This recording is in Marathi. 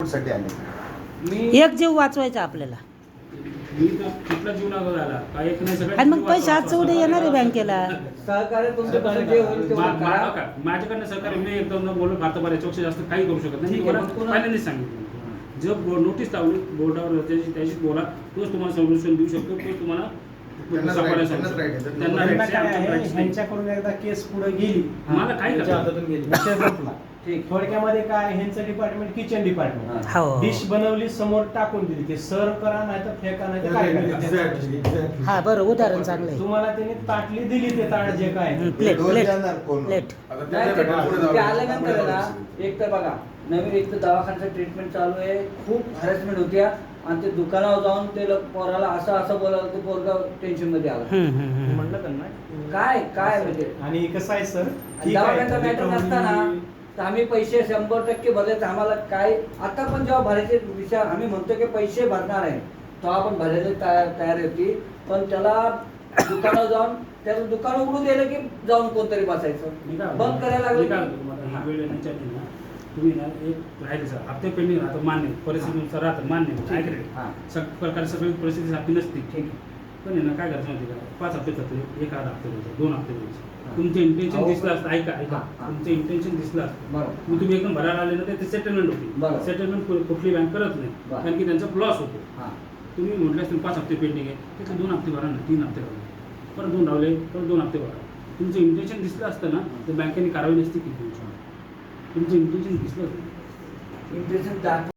साठी आले. एक जीव वाचवायचा आपल्याला. मी तर कुठला जीव लागला झाला काय एक नाही सगळं. आणि मग पैसे आजचं उद्या येणार आहे बँकेला. सहकार्य तुमचं कसं जे होईल ते करा. माझ्याकडनं सहकार्य मी एकदम बोलून भारत बऱ्यापेक्षा जास्त काही करू शकत नाही. तुम्हाला पहिल्यांदाच सांगितलं जो नोटीस लावली बोर्डावर त्याची बोला तोच तुम्हाला सोल्युशन देऊ शकतो. तोच तुम्हाला ह्यांच्याकडून एकदा केस पुढे गेली, मला काय हातातून गेली, विषय संपला. थोडक्यामध्ये काय ह्यांचं डिपार्टमेंट किचन डिपार्टमेंट हो. डिश बनवली समोर टाकून दिली, ते सर्व करा नाही तर फेका नाही तर काय करा. हा बरं उदाहरण चांगलं आहे. तुम्हाला त्यांनी ताटली दिली ते ताट जे काय प्लेट प्लेट प्लेट नाही, ते आल्यानंतर ना एक तर बघा नवीन एक तर दवाखान्याचं ट्रीटमेंट चालू आहे, खूप हॅरेसमेंट होत्या आणि ते दुकानावर जाऊन ते पोराला असं बोलायला ते पोरगा टेन्शन मध्ये आला. म्हणलं त्यांना काय काय म्हणजे आणि कसं आहे सर, दवाखान्याचा मॅटर नसताना तर आम्ही पैसे 100% भरले तर आम्हाला काय आता पण जेव्हा भरायचे विषय आम्ही म्हणतो की पैसे भरणार आहे तेव्हा आपण भरायला तयार होती, पण त्याला दुकानावर जाऊन त्याचं दुकान उघडून दिलं की जाऊन कोणतरी बसायचं बंद करायला लागलं. तुम्ही ना एक राहिले सर हप्ते पेंडिंग राहतं मान्य परिस्थितीनुसार राहतं मान्य प्रकारे सगळी परिस्थिती आपली नसते. ठीक पण आहे ना काय करायचं माहिती का 5 हप्ते थकले 1 हप्ते द्यायचे 2 हप्ते द्यायचे. तुमचं इंटेन्शन दिसलं असतं ऐका तुमचं इंटेन्शन दिसलं असतं मग तुम्ही एकदम भरायला आले ना ते सेटलमेंट होती. सेटलमेंट कुठली बँक करत नाही कारण की त्यांचा लॉस होतो. तुम्ही म्हटलं असतील 5 हप्ते पेंडिंग आहे त्याचे 2 हप्ते भरा ना 3 हप्ते भरा परत 2 रावले परत 2 हप्ते भरा. तुमचं इंटेन्शन दिसलं असतं ना तर बँकेने कारवाई नसती केली. तुमचं इंटेन्शन दिसलं इंटेन्शन